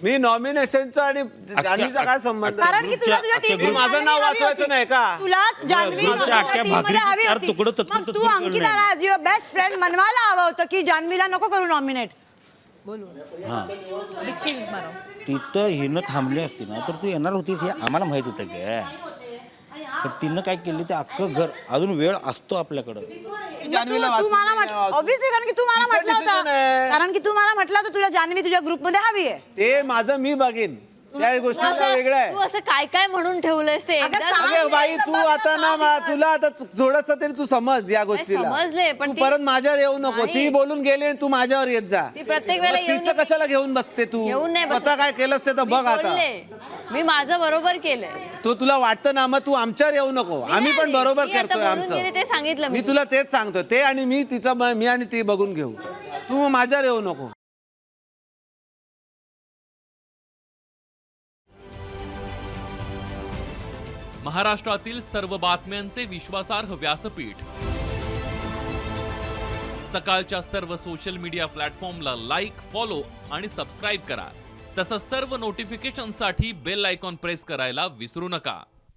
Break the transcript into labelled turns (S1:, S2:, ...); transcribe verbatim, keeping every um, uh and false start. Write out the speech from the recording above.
S1: मी नॉमिनेशनचा आणि जान्हवीचा काय संबंध?
S2: कारण की तुला तुझ्या टीम
S1: माझं नाव वाचवायचं नाही का?
S2: तुला जान्हवी तू अंकिताला ॲज युअर बेस्ट फ्रेंड मनवायला हवं होतं की जान्हवीला नको करू नॉमिनेट.
S3: तिथं हिनं थांबली असती ना तर तू येणार होतीस हे आम्हाला माहित होतं की, पण तिनं काय केली ते अख्खं घर अजून वेळ असतो आपल्याकडं.
S2: तू मला ऑब्व्हियसली कारण की तू मला म्हटलं होतं कारण की तू मला म्हटलं होतं तुला जान्हवी तुझ्या ग्रुपमध्ये हवी आहे.
S1: ते माझं मी बघीन, त्या गोष्टीचा वेगळं आहे.
S4: तू असं काय काय म्हणून ठेवलंयस ते
S1: अगं बाई तू आता ना तुला आता थोडस तरी तू समज या गोष्टीला.
S4: समजले, पण
S1: तू परत माझ्यावर येऊ नको. ती बोलून गेली आणि तू माझ्यावर येत जा.
S4: ती प्रत्येक वेळेला
S1: मग तिचं कशाला घेऊन बसते तू?
S4: येऊन नाही बसत.
S1: स्वतः काय केलंस ते तर बघ आता.
S4: मी माझं बरोबर केलंय.
S1: तो तुला वाटतं ना मग तू आमच्यावर येऊ नको. आम्ही पण बरोबर
S4: मी आता
S1: करतोय
S4: बोलून
S1: आमचं.
S4: गेले ते सांगितलं
S1: मी
S4: मी
S1: तुला तेच सांगतो. ते आणि मी तिचं मी आणि ती बघून घेऊ. तू माझ्यावर येऊ नको.
S5: महाराष्ट्रातील सर्व बातम्यांचे विश्वासार्ह व्यासपीठ, सकाळच्या सर्व सोशल मीडिया प्लॅटफॉर्मला लाईक, फॉलो आणि सबस्क्राईब करा. तसंच सर्व नोटिफिकेशनसाठी बेल आयकॉन प्रेस करायला विसरू नका.